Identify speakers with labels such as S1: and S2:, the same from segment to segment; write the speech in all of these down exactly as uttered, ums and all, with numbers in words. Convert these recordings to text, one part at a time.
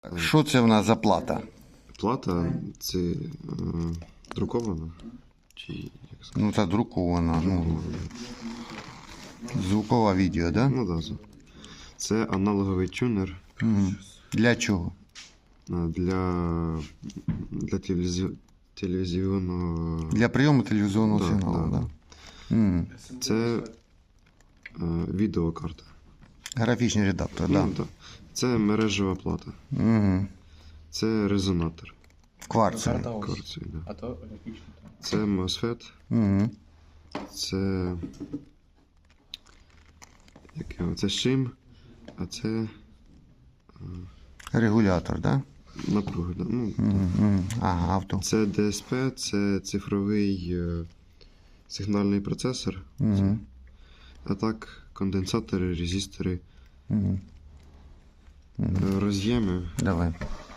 S1: Що це в нас за плата?
S2: Плата це е, друкована? Чи як сказати?
S1: Ну, це друкована. Ну, звукове відео, да?
S2: Ну, да. Це аналоговий тюнер
S1: Угу. Для чого?
S2: е, для, для телевізі... телевізійного.
S1: Для прийому телевізійного
S2: Да,
S1: сигналу,
S2: да,
S1: да? Угу.
S2: Це е, відеокарта.
S1: Графічний редактор, да?
S2: Ну, да. Це мережева плата.
S1: Угу.
S2: Це резонатор.
S1: Кварцевий.
S2: Кварцевий, да.
S3: А то графічно.
S2: Це MOSFET.
S1: Угу.
S2: Це. Як його? Це шим, а це
S1: Регулятор, да?
S2: напруга. Да? Ну,
S1: Угу. Ага, авто.
S2: це ді ес пі, це цифровий е, сигнальний процесор.
S1: Угу.
S2: А так, конденсатори, резистори,
S1: Угу.
S2: е, роз'єми.
S1: Давай.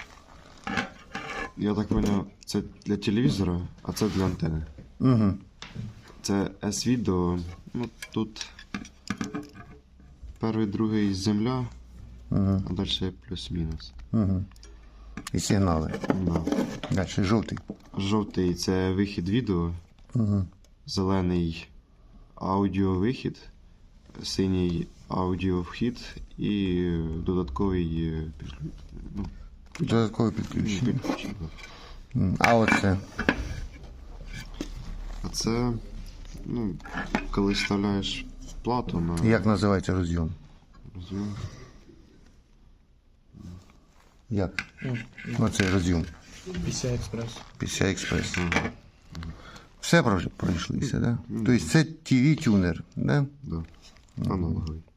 S2: Я так зрозумів, це для телевізора, а це для антени.
S1: Угу.
S2: Це S-відео. Ну, тут перший, другий земля,
S1: Угу.
S2: а далі плюс-мінус.
S1: Угу. І сигнали.
S2: Да.
S1: Далі жовтий.
S2: Жовтий це вихід відео,
S1: Угу.
S2: зелений аудіовихід, синій аудіовхід і додатковий е, підключ- ну,
S1: Додаткове підключення.
S2: підключення.
S1: М, А оце?
S2: А це, ну, коли вставляєш плату на
S1: Як називається розйом?
S2: розйом.
S1: Як? Оцей розйом.
S3: пі сі ай Express.
S1: пі сі ай Express. Все пройш- пройшлися, да? Тобто це ті ві-тюнер, да?
S2: Да. Аналоговий.